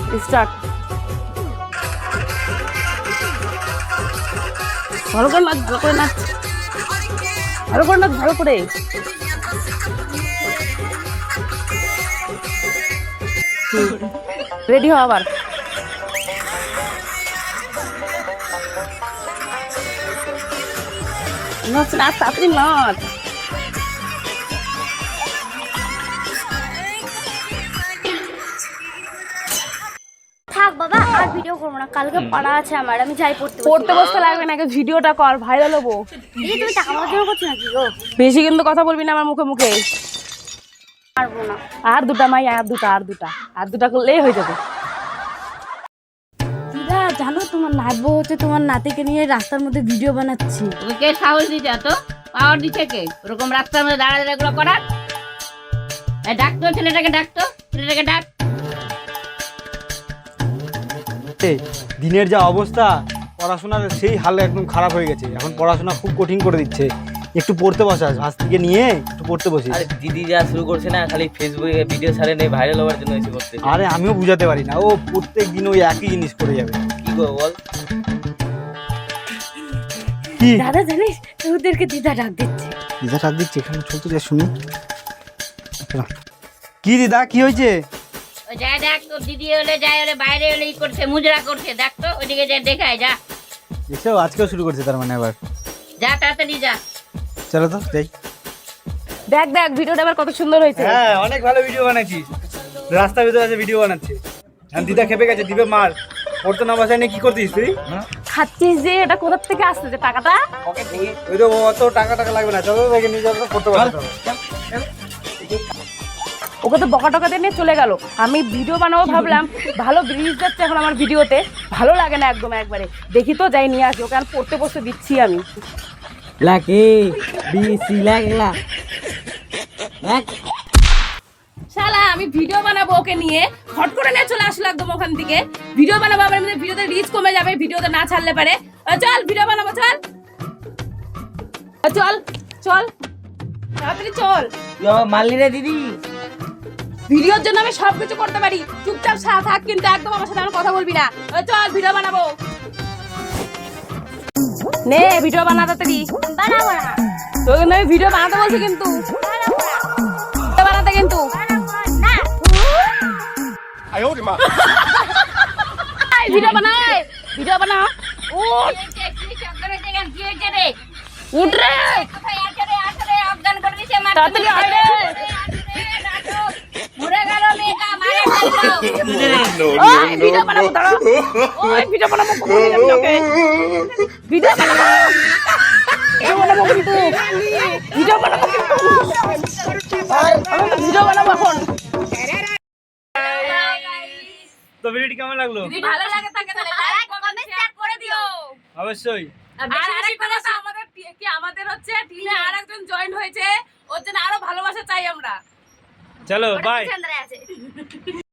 Start. ভালো করে নাচ, ভালো করে নাচ, ভালো করে নাচ, ভালো করে। রেডি হও আবার। নাচ নাচ, তাড়াতাড়ি নাচ। থাক বাবা, আর ভিডিও করবো না, কালকে পড়া আছে আমার, আমি যাই পড়তে বসতে লাগবে না, আগে ভিডিওটা কর, ভাইরাল হবো। এই তুমি টাকা পাওয়ার জন্য করছো নাকি গো? বেশি কিন্তু কথা বলবি না আমার মুখে মুখে। পারবো না। আর দুটা মাই, আর দুটা করলেই হয়ে যাবে। দিদা জানো তোমার নাতবউ হচ্ছে তোমার নাতিকে নিয়ে রাস্তার মধ্যে ভিডিও বানাচ্ছি। ওকে সাহস দিতে এত পাওয়ার দিচ্ছে কে ওরকম রাস্তার মধ্যে দাঁড়া দাঁড়া এগুলো করার? ডাকতো ছেলেটাকে, ডাকতো ছেলেটাকে, ডাক। দিনের যা অবস্থা, পড়াশোনার সেই হাল একদম খারাপ হয়ে গেছে। এখন পড়াশোনা খুব কঠিন করে দিচ্ছে। একটু পড়তে বসাস, ভাস থেকে নিয়ে একটু পড়তে বসিস। আরে দিদি যা শুরু করছে না, খালি ফেসবুকে ভিডিও ছাড়ে নেই, ভাইরাল হওয়ার জন্য এসে করতে। আরে আমিও বুঝাতে পারি না, ও প্রত্যেক দিন ওই একই জিনিস করে যাবে। কি করবো বল? কি দাদা জানিস তোদেরকে দিদা ডাক দিচ্ছে। দিদা ডাক দিচ্ছে, এখানে চলতে যা শুনি। কি দিদা, কি হয়েছে? ওই যা দেখ, তোর দিদি হলে যায়, হলে বাইরে হলে ই করছে, মুজরা করছে, দেখ তো ওইদিকে যা দেখায়, যা এসব আজকেও শুরু করছে তার মানে আবার। যা তাড়াতাড়ি যা। চলো তো যাই। দেখ দেখ ভিডিওটা আবার কত সুন্দর হয়েছে। হ্যাঁ, অনেক ভালো ভিডিও বানাচ্ছিস। রাস্তার ভিতরে আছে ভিডিও বানাচ্ছে। আর দিদা খেপে গেছে, দিবে মার। পড়তে না বসায় নিয়ে কি করছিস তুই? খাচ্ছিস যে, এটা কোথা থেকে আসছে যে টাকাটা? ওই তো অত টাকা লাগবে না, চলো দেখে নিয়ে যাবো, পড়তে বসাতে হবে। ওকে তো বকা টকা দিয়ে নিয়ে চলে গেল। আমি ভিডিও বানাবো ভাবলাম, ভালো ব্রিজ যাচ্ছে এখন আমার ভিডিওতে, ভালো লাগে না একদম একবারে। দেখি তো যাই নিয়ে আসি, ওকে আর পড়তে বসতে দিচ্ছি আমি। শালা আমি ভিডিও বানাবো ওকে নিয়ে, হট করে নিয়ে চলে আসলো একদম ওখান থেকে। ভিডিও বানাবো, আমার মধ্যে ভিডিওতে রিচ কমে যাবে, ভিডিওতে না ছাড়লে পারে। চল ভিডিও বানাবো, চল চল চল তাড়াতাড়ি চল। মারলি রে দিদি। ভিডিওর জন্য আমি সবকিছু করতে পারি, চুপচাপ থাক, কিন্তু একদম আমার সাথে আমার কথা বলবি না। চল ভিডিও বানাবো, নে ভিডিও বানা তাড়াতাড়ি। বানাবো না, তোকে কিন্তু আমি ভিডিও বানাতে বলছি, কিন্তু বানাবো না, ভিডিও বানাতে কিন্তু না। ভিডিও বানাই, ভিডিও বানা। উঠ কি হয়েছে রে? উঠ রে, কোথায় আছে রে? আছে রে, অজ্ঞান করে দিছে, মার। তাড়াতাড়ি আয় রে। মরে গেল মেয়েটা, মারে ফেললো। ওই ভিডিও বানাবো, দাঁড়া। ওই ভিডিও বানাবো, কখন যাবি ওকে? ভিডিও বানাবো, ভিডিও বানাবো কিন্তু, ভিডিও বানাবো কিন্তু, ভিডিও বানাবো এখন। তো ভিডিওটি কেমন লাগলো? যদি ভালো লাগে থাকে তাহলে লাইক কমেন্ট শেয়ার করে দিও অবশ্যই। আর আরেকটা কথা, আমাদের হচ্ছে টিমে আরেকজন জয়েন হয়েছে, ওর জন্য আরো ভালোবাসা চাই আমরা। চলো বাই। চন্দ্রা আছে।